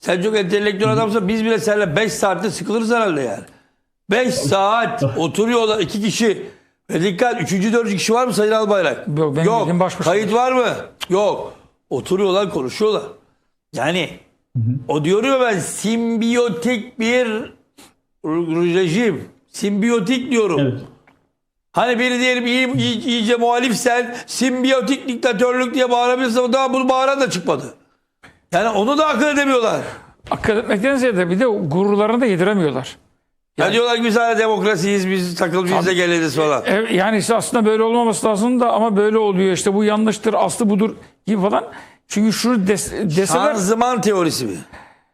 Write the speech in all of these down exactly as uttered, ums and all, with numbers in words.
Sen çok entelektüel adamsın. Biz bile seninle beş saatte sıkılırız herhalde yani. beş saat oturuyorlar iki kişi. Ve dikkat, üçüncü dördüncü kişi var mı Sayın Albayrak? Yok. benim Yok. bildiğim baş başa. Kayıt var mı? Yok. Oturuyorlar, konuşuyorlar. Yani hı hı. O diyor ya, ben simbiyotik bir rejim. Simbiyotik diyorum. Evet. Hani biri diyelim iyi, iyi, iyice muhalifsen simbiyotik diktatörlük diye bağırabilirsin. Daha bunu bağıran da çıkmadı. Yani onu da akıl edemiyorlar. Akıl etmekten ziyade bir de gururlarını da yediremiyorlar. Yani, Yani, diyorlar ki biz hala demokrasiyiz, biz takıl biz de geliriz falan. E, yani işte aslında böyle olmaması lazım da ama böyle oluyor, işte bu yanlıştır, aslı budur gibi falan. Çünkü şunu des, deseler... Şanzıman teorisi mi?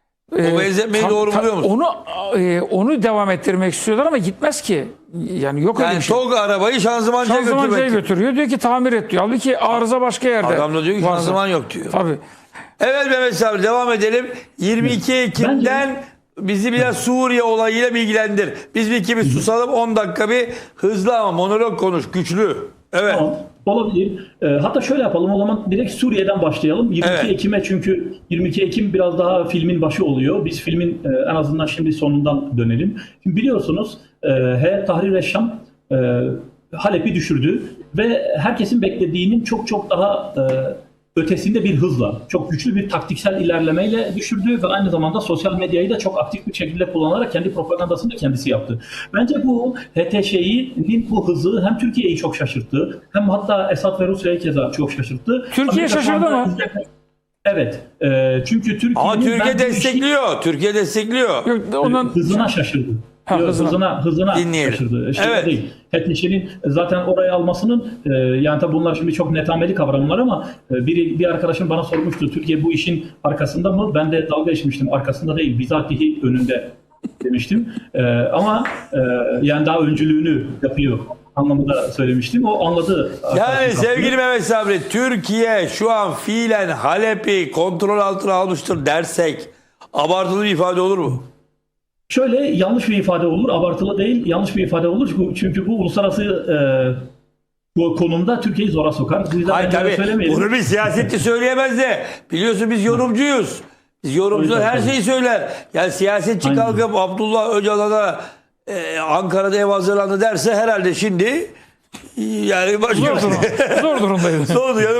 E, o benzetmeyi ta, doğru ta, buluyor musun? Onu, e, onu devam ettirmek istiyorlar ama gitmez ki. Yani yok öyle Yani bir şey. tok arabayı şanzımancıya Şanzımancıya götürmek. götürüyor. Diyor ki tamir et diyor. Halbuki arıza başka yerde. Adam da diyor ki varsa. şanzıman yok diyor. Tabii. Evet Mehmet Sabri, devam edelim. yirmi iki Ekim'den bizi biraz Suriye olayıyla bilgilendir. Biz bir iki bir susalım, on dakika bir hızlı ama monolog konuş, güçlü. Evet. Tamam, olabilir. E, hatta şöyle yapalım, o zaman direkt Suriye'den başlayalım. yirmi iki Evet. Ekim'e, çünkü yirmi iki Ekim biraz daha filmin başı oluyor. Biz filmin e, en azından şimdi sonundan dönelim. Şimdi biliyorsunuz e, Heyet Tahrir Eşşam e, Halep'i düşürdü ve herkesin beklediğinin çok çok daha e, ötesinde bir hızla, çok güçlü bir taktiksel ilerlemeyle düşürdü ve aynı zamanda sosyal medyayı da çok aktif bir şekilde kullanarak kendi propagandasını da kendisi yaptı. Bence bu H T Ş'nin bu hızı hem Türkiye'yi çok şaşırttı, hem hatta Esad ve Rusya'yı keza çok şaşırttı. Türkiye Amerika şaşırdı şu anda mı? izleme- Evet. E, çünkü Türkiye'nin... Ama Türkiye ben bu işi- destekliyor. Türkiye destekliyor. Yok, ondan... hızına şaşırdı. Ha, Yok, hızına. hızına hızına Dinleyelim. şaşırdı. Şey Evet. değil. H T Ş'nin zaten oraya almasının e, yani tabi bunlar şimdi çok netameli kavramlar ama e, bir, bir arkadaşım bana sormuştu, Türkiye bu işin arkasında mı? Ben de dalga geçmiştim. Arkasında değil, bizatihi önünde demiştim. E, ama e, yani daha öncülüğünü yapıyor anlamında söylemiştim. O anladı. Yani sevgili Mehmet Sabri, Türkiye şu an fiilen Halep'i kontrol altına almıştır dersek abartılı bir ifade olur mu? Şöyle yanlış bir ifade olur, abartılı değil, yanlış bir ifade olur. Çünkü bu uluslararası e, bu konumda Türkiye'yi zora sokar. Bu yüzden Hayır bence tabii, söylemeyelim. bunu bir siyasetçi söyleyemez de, biliyorsun biz yorumcuyuz. Biz yorumcular her şeyi söyler. Yani siyasetçi Aynen. kalkıp Abdullah Öcalan'a e, Ankara'da ev hazırlandı derse herhalde şimdi yani başka Zor, durum, zor durumdayız. Sordu ya,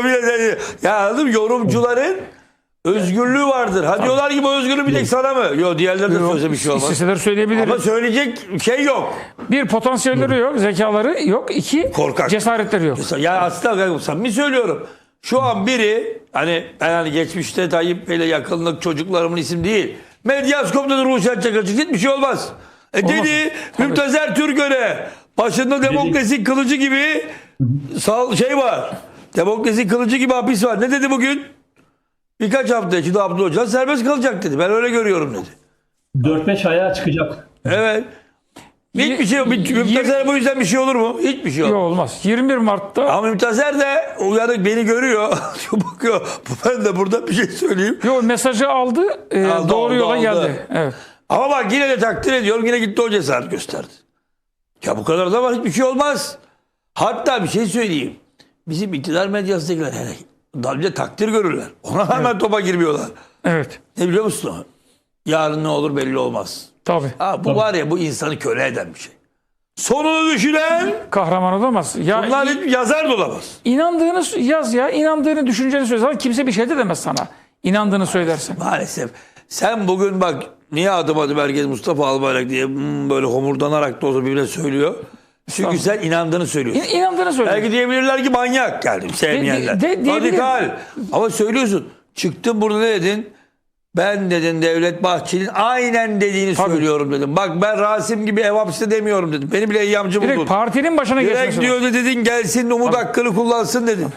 ya anladın mı? Yorumcuların özgürlüğü vardır. Ha diyorlar ki bu özgürlüğü bir tek sana mı? Yok, diğerleri de söylese bir şey olmaz. İsteseler söyleyebilir. Ama söyleyecek şey yok. Bir, potansiyelleri yok, zekaları yok. İki, Korkak. cesaretleri yok. Ya aslında samimi söylüyorum. Şu an biri, hani ben hani geçmişte Tayyip Bey'le yakınlık, çocuklarımın isim değil. Medyaskop'ta da Ruşen Çakırcık, hiçbir şey olmaz. E Olmaz. dedi Tabii. Mümtazer Türkön'e başında demokrasi kılıcı gibi sal şey var. Demokrasi kılıcı gibi hapis var. Ne dedi bugün? Birkaç hafta içinde Abdullah Öcalan serbest kalacak dedi. Ben öyle görüyorum dedi. dört beş aya çıkacak. Evet. Hiçbir şey yok. Mümtazer bu yüzden bir şey olur mu? Hiçbir şey yok. Yok, olmaz. yirmi bir Mart'ta Ama Mümtazer de uyanık, beni görüyor. Bakıyor. Ben de burada bir şey söyleyeyim. yok, mesajı aldı, e, Aldı, doğru aldı, yola aldı. geldi. Evet. Ama bak yine de takdir ediyorum. Yine gitti o cesaret gösterdi. Ya bu kadar da var, hiçbir şey olmaz. Hatta bir şey söyleyeyim. Bizim iktidar medyasındakiler hele daha önce takdir görürler. Ona hemen evet. topa girmiyorlar. Evet. Ne biliyor musun? Yarın ne olur belli olmaz. Tabii. Ha, bu var ya, bu insanı köle eden bir şey. Sonunu düşünen Kahraman olamaz. Ya bunlar hiç yazar da olamaz. inandığını yaz ya. İnandığını, düşünceni söyle. Zaten kimse bir şey de demez sana. İnandığını söylersen. Maalesef. Sen bugün bak, niye adım adım herkes Mustafa Albayrak diye hmm, böyle homurdanarak da olsa birbirine söylüyor. Çünkü sen inandığını söylüyorsun. İn, inandığını söyle. Belki diyebilirler ki manyak geldim sevmeyenler. De- de- de- Radikal. Ama söylüyorsun. Çıktın burada ne dedin? Ben dedin Devlet Bahçeli'nin aynen dediğini Tabii. söylüyorum dedim. Bak ben Rasim gibi ev hapiste demiyorum dedim. Beni bile eyyamcı buldun. Direkt partinin başına Direkt geçmesi. diyordu dedin, gelsin umut hakkını kullansın dedin.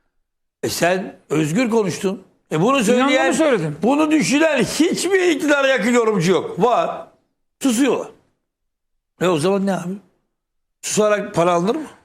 E sen özgür konuştun. E bunu söyleyen, İnandığını söyledim. bunu düşünen hiçbir iktidara yakın yorumcu yok. Var. Susuyorlar. E o zaman ne abi? Susarak para alınır mı?